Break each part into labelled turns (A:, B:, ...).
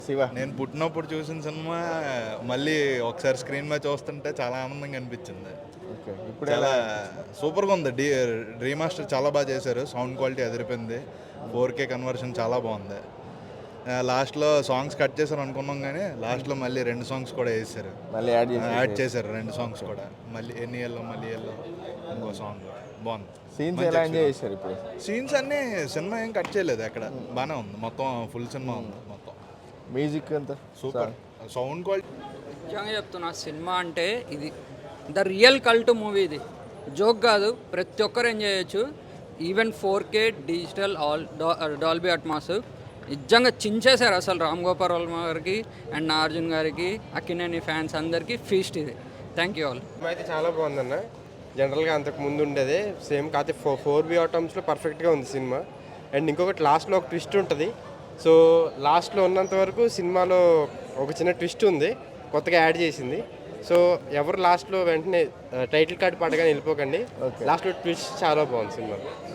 A: శివ
B: నేను పుట్టినప్పుడు చూసిన సినిమా మళ్ళీ ఒకసారి స్క్రీన్ మీద చూస్తుంటే చాలా ఆనందంగా అనిపించింది.
A: ఓకే. ఇప్పుడు
B: చాలా
A: ఎలా
B: సూపర్గా ఉంది. రీమాస్టర్ చాలా బాగా చేశారు. సౌండ్ క్వాలిటీ అదిరిపోయింది. 4K కన్వర్షన్ చాలా బాగుంది. లాస్ట్లో సాంగ్స్ కట్ చేశారు అనుకున్నాం, కానీ లాస్ట్లో మళ్ళీ 2 సాంగ్స్ కూడా వేసారు.
A: మళ్ళీ యాడ్
B: యాడ్
A: చేసి
B: చేశారు 2 సాంగ్స్ కూడా. మళ్ళీ ఎన్ని ఎల్లో మళ్ళీ ఎల్లో ఇంకో సాంగ్ బాగుంది.
A: సీన్స్ ఎలా ఎంజాయ్ చేశారు ఇప్పుడు?
B: సీన్స్ అన్నీ సినిమా ఏం కట్ చేయలేదు ఎక్కడ, బాగానే ఉంది. మొత్తం ఫుల్ సినిమా ఉంది మొత్తం.
A: మ్యూజిక్ అంతా
B: సూపర్. సౌండ్ క్వాలిటీ
C: నిజంగా చెప్తున్నా, సినిమా అంటే ఇది ద రియల్ కల్ట్ మూవీ. ఇది జోక్ కాదు, ప్రతి ఒక్కరు ఎంజాయ్ చేయొచ్చు. Even 4K digital Dolby Atmos నిజంగా చించేశారు అసలు. రామ్ గోపాల్ వర్మ గారికి అండ్ నాగార్జున గారికి, అక్కినేని ఫ్యాన్స్ అందరికీ ఫీస్ట్ ఇది. Thank you all.
D: అయితే చాలా బాగుందన్న. జనరల్గా అంతకు ముందు ఉండేదే సేమ్, కాకపోతే 4B ఆటమ్స్లో పర్ఫెక్ట్గా ఉంది సినిమా. అండ్ ఇంకొకటి లాస్ట్లో ఒక ట్విస్ట్ ఉంటుంది. సో లాస్ట్లో ఉన్నంత వరకు సినిమాలో ఒక చిన్న ట్విస్ట్ ఉంది, కొత్తగా యాడ్ చేసింది. సో ఎవరు లాస్ట్లో వెంటనే టైటిల్ కార్డ్ పడగానే వెళ్ళిపోకండి. లాస్ట్లో ట్విస్ట్ చాలా బాగుంది సినిమా.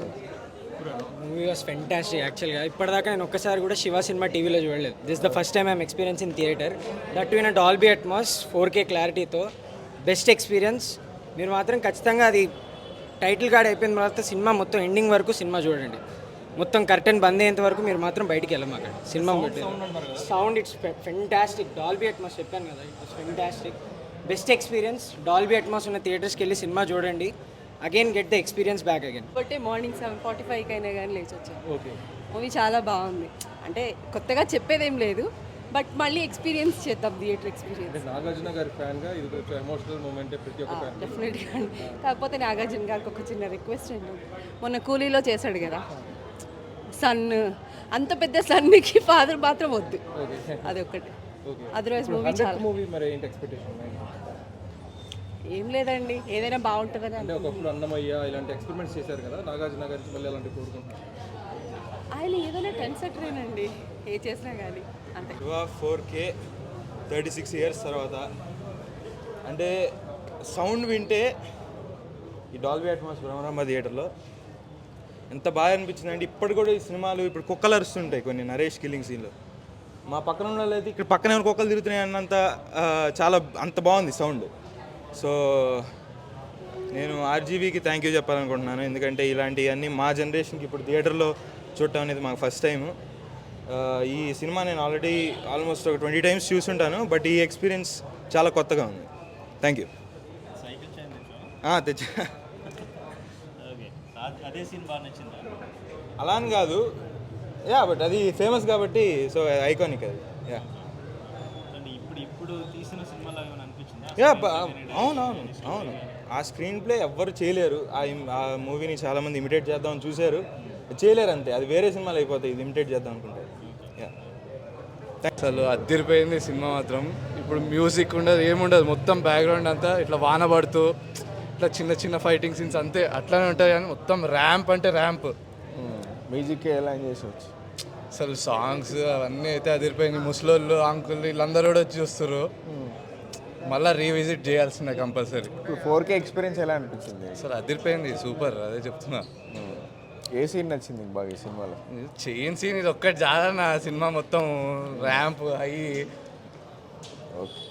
E: మూవీ వాస్ ఫెంటాస్టిక్ యాక్చువల్గా. ఇప్పటిదాకా నేను ఒక్కసారి కూడా శివ సినిమా టీవీలో చూడలేదు. This the first time I'm experience in theatre, that in Dolby Atmos 4K క్లారిటీతో. Best experience. మీరు మాత్రం ఖచ్చితంగా అది టైటిల్ కార్డ్ అయిపోయిన తర్వాత సినిమా మొత్తం ఎండింగ్ వరకు సినిమా చూడండి. మొత్తం కర్టెన్ బంద్ అయ్యేంత వరకు మీరు మాత్రం బయటికి వెళ్ళమాక. Cinema sound it's fantastic. Dolby Atmos చెప్పాను కదా, it's fantastic. Best experience. Dolby Atmos ఉన్న థియేటర్స్కి వెళ్ళి సినిమా చూడండి. Again get the experience back again.
F: బట్టే మార్నింగ్ 7:45 అయినా కానీ లేచి వచ్చాను.
E: ఓకే.
F: మూవీ చాలా బాగుంది. అంటే కొత్తగా చెప్పేదేం లేదు, బట్ మళ్ళీ ఎక్స్పీరియన్స్ చేద్దాం, థియేటర్ ఎక్స్పీరియన్స్.
G: నాగార్జున గారి ఫ్యాన్గా ఇది కొంచెం ఎమోషనల్ మూమెంట్ ప్రతి ఒక్క ఫ్యాన్.
F: డెఫినెట్గా. కాకపోతే నాగార్జున గారికి ఒక చిన్న రిక్వెస్ట్ అండి. మొన్న కూలీలో చేశాడు కదా సన్, అంత పెద్ద సన్కి ఫాదర్ మాత్రం వద్దు, అదొక్కటి. అదర్వైజ్ మూవీ చాలా
G: మూవీ మరి ఏంటి ఎక్స్పెక్టేషన్?
F: ఏం లేదండి, ఏదైనా బాగుంటుందని.
G: అంటే ఒకప్పుడు అన్నమయ్య ఇలాంటి ఎక్స్పెరిమెంట్స్ చేశారు కదా, నాగార్జున గారికి మళ్ళీ అలాంటి కోరుకుంటున్నారు.
F: ఆయన ఏదైనా టెన్ సెటరేనండి, ఏ చేసినా కానీ అంతే.
H: 4K 36 ఇయర్స్ తర్వాత అంటే సౌండ్ వింటే ఈ డాల్బీ అట్మాస్ బ్రహ్మరాంబ థియేటర్లో ఎంత బాగా అనిపించింది అంటే, ఇప్పటి కూడా ఈ సినిమాలు ఇప్పుడు కుక్కలు అరుస్తుంటాయి కొన్ని నరేష్ కిల్లింగ్ సీన్లో. మా పక్కన ఉన్న అయితే ఇక్కడ పక్కన ఏమైనా కుక్కలు తిరుగుతున్నాయి అన్నంత చాలా అంత బాగుంది సౌండ్. సో నేను ఆర్జీవీకి థ్యాంక్ యూ చెప్పాలనుకుంటున్నాను, ఎందుకంటే ఇలాంటివన్నీ మా జనరేషన్కి ఇప్పుడు థియేటర్లో చూడటం అనేది మాకు ఫస్ట్ టైము. ఈ సినిమా నేను ఆల్రెడీ ఆల్మోస్ట్ ఒక 20 times చూసుంటాను, బట్ ఈ ఎక్స్పీరియన్స్ చాలా కొత్తగా ఉంది. Thank you. తెచ్చా. అలా అని కాదు, యా, బట్ అది ఫేమస్ కాబట్టి, సో ఐకానిక్ అది. యా యా అవునవును అవును. ఆ స్క్రీన్ ప్లే ఎవ్వరు చేయలేరు. ఆ మూవీని చాలామంది ఇమిటేట్ చేద్దామని చూశారు, చేయలేరు అంతే. అది వేరే సినిమాలు అయిపోతాయి, ఇది ఇమిటేట్ చేద్దాం అనుకుంటారు.
I: అసలు అద్దరిపోయింది సినిమా మాత్రం. ఇప్పుడు మ్యూజిక్ ఉండదు, ఏముండదు, మొత్తం బ్యాక్గ్రౌండ్ అంతా ఇట్లా వాన పడుతూ ఇట్లా చిన్న చిన్న ఫైటింగ్ సీన్స్ అంతే అట్లానే ఉంటాయి, కానీ మొత్తం ర్యాంప్ అంటే ర్యాంప్.
A: మ్యూజిక్ ఎలా ఎంజాయ్ చేసవచ్చు?
I: అసలు సాంగ్స్ అవన్నీ అయితే అదిరిపోయింది. ముసలోళ్ళు అంకుల్ వీళ్ళందరూ కూడా వచ్చి చూస్తారు. మళ్ళీ రీవిజిట్ చేయాల్సిందే కంపల్సరీ.
A: ఇప్పుడు 4K ఎక్స్పీరియన్స్ ఎలా అనిపించింది?
I: అసలు అదిరిపోయింది, సూపర్. అదే చెప్తున్నా.
A: ఏ సీన్ నచ్చింది బాగా ఈ సినిమాలో?
I: చైన్ సీన్ ఇది ఒక్కటి చాలా, నా సినిమా మొత్తం ర్యాంప్ అయ్యి.
A: ఓకే.